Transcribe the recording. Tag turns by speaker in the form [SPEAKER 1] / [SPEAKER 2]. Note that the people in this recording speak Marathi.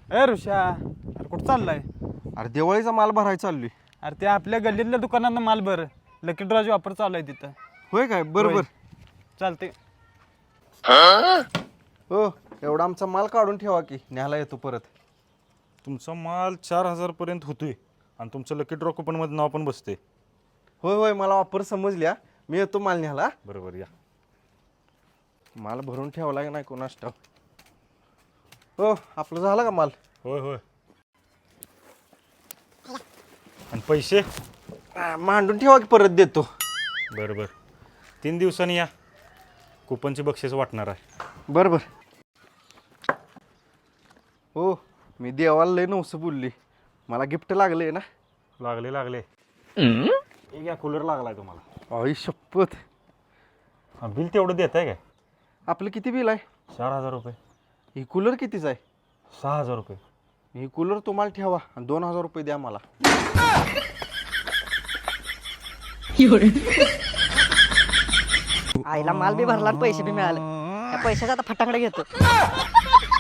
[SPEAKER 1] ए ऋषा, अरे कुठं चाललाय?
[SPEAKER 2] अरे दिवाळीचा माल भरायला चाललोय.
[SPEAKER 1] अरे ते आपल्या गल्लीतल्या दुकानांना माल भर, लकी ड्रॉची वापर चालू आहे तिथं.
[SPEAKER 2] होय काय? बरोबर.
[SPEAKER 1] चालते.
[SPEAKER 2] हो, एवढा आमचा माल काढून ठेवा की न्यायला येतो परत.
[SPEAKER 3] तुमचा माल 4,000 पर्यंत होतोय आणि तुमचं लकी ड्रॉ कुपनमध्ये नाव पण बसते.
[SPEAKER 2] होय होय, मला वापर समजल्या. मी येतो माल न्यायला.
[SPEAKER 3] बरोबर या.
[SPEAKER 2] माल भरून ठेवला की नाही कोणास ठाऊक. हो, आपलं झालं का माल?
[SPEAKER 3] होय होय. आणि पैसे?
[SPEAKER 2] मांडून ठेवा की परत देतो.
[SPEAKER 3] बरं बरं, 3 दिवसांनी या. कुपनची बक्षीस वाटणार आहे.
[SPEAKER 2] बरं बरं. हो, मी देवाला लय नवसं बोलली. मला गिफ्ट लागले ना.
[SPEAKER 3] लागले लागले. एक या कूलर लागलाय तुम्हाला.
[SPEAKER 2] आई शपथ.
[SPEAKER 3] बिल तेवढं देत आहे काय?
[SPEAKER 2] आपलं किती बिल आहे?
[SPEAKER 3] 4,000 रुपये.
[SPEAKER 2] ही कूलर कितीच आहे?
[SPEAKER 3] 6,000 रुपये.
[SPEAKER 2] ही कूलर तुम्हाला ठेवा आणि 2,000 रुपये द्या मला.
[SPEAKER 4] आईला माल बी भरला आणि पैसे बी मिळाले. त्या पैशाचा आता फटाकडे घेतो.